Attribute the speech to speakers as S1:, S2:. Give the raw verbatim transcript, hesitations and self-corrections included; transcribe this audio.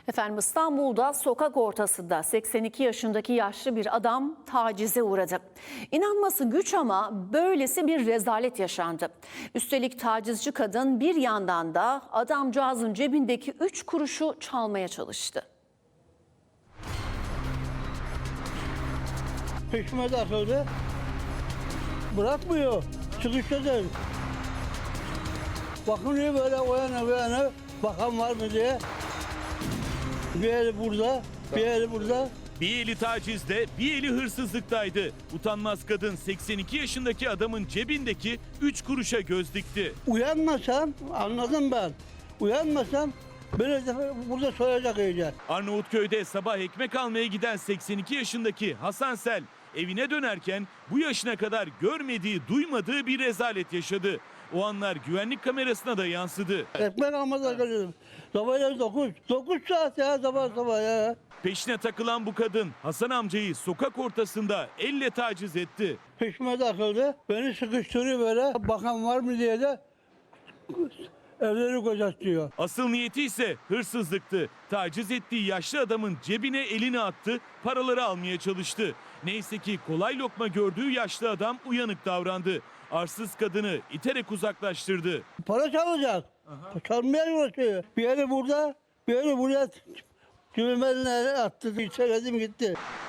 S1: Efendim İstanbul'da sokak ortasında seksen iki yaşındaki yaşlı bir adam tacize uğradı. İnanması güç ama böylesi bir rezalet yaşandı. Üstelik tacizci kadın bir yandan da adamcağızın cebindeki üç kuruşu çalmaya çalıştı.
S2: Peşime takıldı. Bırakmıyor. Sıkıştırdı. Bakın böyle o yana bu yana bakan var mı diye. Bir eli burada, bir eli burada.
S3: Bir eli tacizde, bir eli hırsızlıktaydı. Utanmaz kadın seksen iki yaşındaki adamın cebindeki üç kuruşa göz dikti.
S2: Uyanmasam, anladım ben. Uyanmasam böyle burada soyacak iyice.
S3: Arnavutköy'de sabah ekmek almaya giden seksen iki yaşındaki Hasan Sel evine dönerken bu yaşına kadar görmediği, duymadığı bir rezalet yaşadı. O anlar güvenlik kamerasına da yansıdı.
S2: Ekmek almadan geliyorum. Sabah dokuz. Dokuz saat ya sabah sabah ya.
S3: Peşine takılan bu kadın Hasan amcayı sokak ortasında elle taciz etti.
S2: Peşime takıldı. Beni sıkıştırıyor böyle. Bakan var mı diye de evleri gözetliyor.
S3: Asıl niyeti ise hırsızlıktı. Taciz ettiği yaşlı adamın cebine elini attı, paraları almaya çalıştı. Neyse ki kolay lokma gördüğü yaşlı adam uyanık davrandı. Arsız kadını iterek uzaklaştırdı.
S2: Para çalacak. Çalmaya uğraşıyor. Bir yeri burada, bir yeri buraya. Cümlemenin attı. Söyledim gitti.